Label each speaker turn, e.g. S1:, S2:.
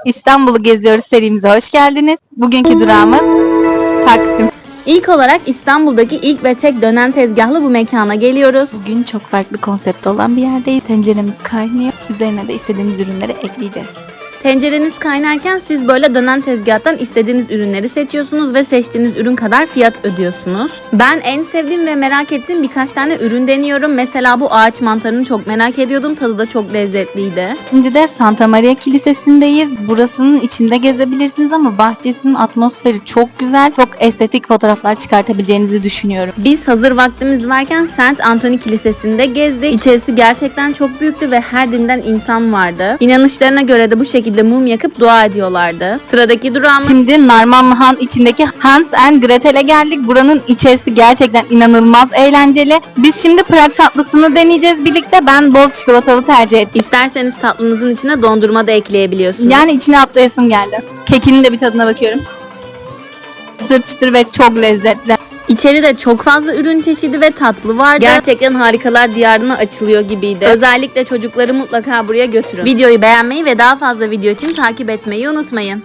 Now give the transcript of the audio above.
S1: İstanbul'u geziyoruz serimize hoş geldiniz. Bugünkü durağımız Taksim.
S2: İlk olarak İstanbul'daki ilk ve tek dönen tezgahlı bu mekana geliyoruz.
S1: Bugün çok farklı konsepte olan bir yerdeyiz. Tenceremiz kaynıyor. Üzerine de istediğimiz ürünleri ekleyeceğiz.
S2: Tencereniz kaynarken siz böyle dönen tezgahtan istediğiniz ürünleri seçiyorsunuz ve seçtiğiniz ürün kadar fiyat ödüyorsunuz. Ben en sevdiğim ve merak ettiğim birkaç tane ürün deniyorum. Mesela bu ağaç mantarını çok merak ediyordum. Tadı da çok lezzetliydi.
S1: Şimdi de Santa Maria Kilisesi'ndeyiz. Burasının içinde gezebilirsiniz ama bahçesinin atmosferi çok güzel. Çok estetik fotoğraflar çıkartabileceğinizi düşünüyorum.
S2: Biz hazır vaktimiz varken Saint Anthony Kilisesi'nde gezdik. İçerisi gerçekten çok büyüktü ve her dinden insan vardı. İnanışlarına göre de bu şekilde mum yakıp dua ediyorlardı. Sıradaki durağımız...
S1: Şimdi Narmanlıhan içindeki Hans and Gretel'e geldik. Buranın içerisi gerçekten inanılmaz eğlenceli. Biz şimdi Prag tatlısını deneyeceğiz birlikte. Ben bol çikolatalı tercih ettim.
S2: İsterseniz tatlınızın içine dondurma da ekleyebiliyorsunuz.
S1: Yani içine atlayasım geldi. Kekinin de bir tadına bakıyorum. Çıtır çıtır ve çok lezzetli.
S2: İçeride çok fazla ürün çeşidi ve tatlı vardı. Gerçekten harikalar diyarına açılıyor gibiydi. Özellikle çocukları mutlaka buraya götürün. Videoyu beğenmeyi ve daha fazla video için takip etmeyi unutmayın.